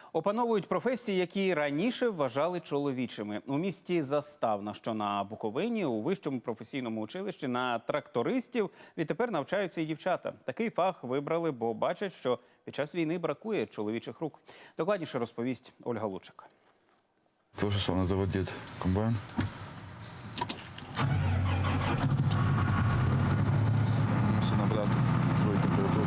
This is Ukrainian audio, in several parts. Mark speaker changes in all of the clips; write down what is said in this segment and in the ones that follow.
Speaker 1: Опановують професії, які раніше вважали чоловічими. У місті Заставна, що на Буковині, у вищому професійному училищі на трактористів відтепер навчаються і дівчата. Такий фах вибрали, бо бачать, що під час війни бракує чоловічих рук. Докладніше розповість Ольга Лучик.
Speaker 2: Тоже сам заводить комбайн. Мусить набрати свою температуру.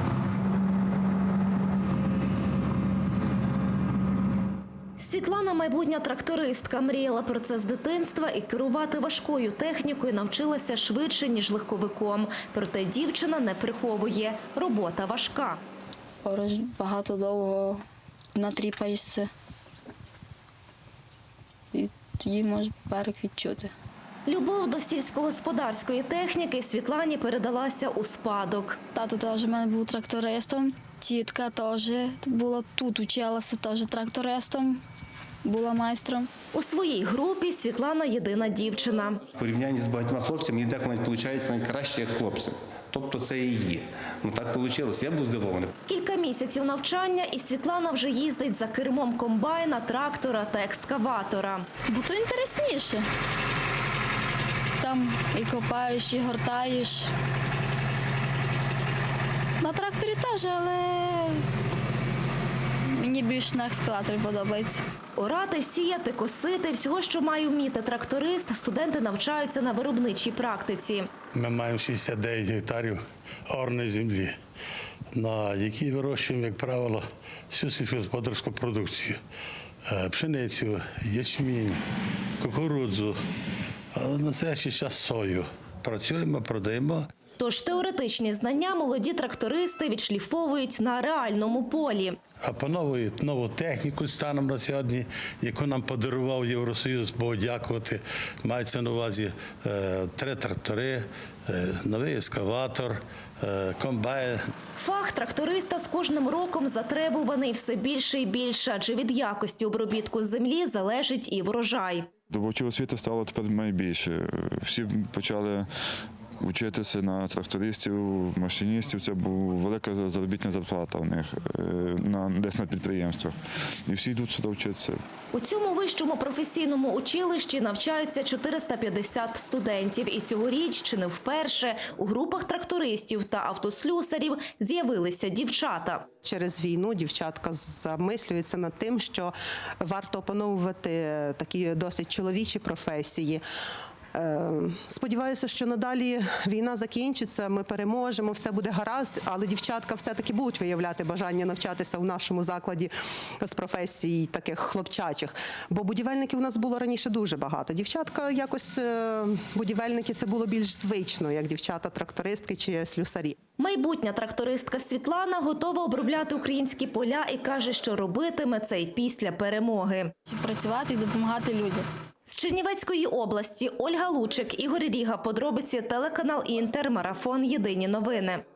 Speaker 3: Світлана – майбутня трактористка. Мріяла про це з дитинства і керувати важкою технікою навчилася швидше, ніж легковиком. Проте дівчина не приховує – робота важка.
Speaker 4: Багато довго натріпаєшся. І тоді може берег відчути.
Speaker 3: Любов до сільськогосподарської техніки Світлані передалася у спадок.
Speaker 4: Тато теж в мене був трактористом, тітка теж була тут, училася теж трактористом, була майстром.
Speaker 3: У своїй групі Світлана – єдина дівчина.
Speaker 5: В порівнянні з багатьма хлопцями, мені так виходить навіть краще, як хлопцям. Тобто це і є. Ну так вийшло, я був здивований.
Speaker 3: Кілька місяців навчання і Світлана вже їздить за кермом комбайна, трактора та екскаватора.
Speaker 4: Бо то інтересніше. Там і копаєш, і гортаєш. На тракторі теж, але мені більше на екскаваторі подобається.
Speaker 3: Орати, сіяти, косити – всього, що має вміти тракторист, студенти навчаються на виробничій практиці.
Speaker 6: Ми маємо 69 гектарів орної землі, на якій вирощуємо, як правило, всю сільськогосподарську продукцію. Пшеницю, ячмінь, кукурудзу, а на настоящий час сою. Працюємо, продаємо.
Speaker 3: Тож теоретичні знання молоді трактористи відшліфовують на реальному полі.
Speaker 6: Опановують нову техніку станом на сьогодні, яку нам подарував Євросоюз, Богу дякувати. Мається на увазі 3 трактори, новий ескаватор, комбайн.
Speaker 3: Фах тракториста з кожним роком затребуваний все більше і більше, адже від якості обробітку землі залежить і врожай.
Speaker 2: Добувачів освіти стало тепер найбільше. Всі почали вчитися на трактористів, машиністів. Це була велика заробітна зарплата у них десь на підприємствах. І всі йдуть сюди вчитися.
Speaker 3: У цьому вищому професійному училищі навчаються 450 студентів. І цьогоріч, чи не вперше, у групах трактористів та автослюсарів з'явилися дівчата.
Speaker 7: Через війну дівчатка замислюються над тим, що варто опановувати такі досить чоловічі професії. Сподіваюся, що надалі війна закінчиться, ми переможемо, все буде гаразд, але дівчатка все-таки будуть виявляти бажання навчатися в нашому закладі з професій таких хлопчачих. Бо будівельників у нас було раніше дуже багато. Дівчатка якось, будівельники, це було більш звично, як дівчата-трактористки чи слюсарі.
Speaker 3: Майбутня трактористка Світлана готова обробляти українські поля і каже, що робитиме це й після перемоги.
Speaker 4: Працювати і допомагати людям.
Speaker 3: З Чернівецької області Ольга Лучик, Ігор Ріга. Подробиці телеканал Інтер, марафон «Єдині новини».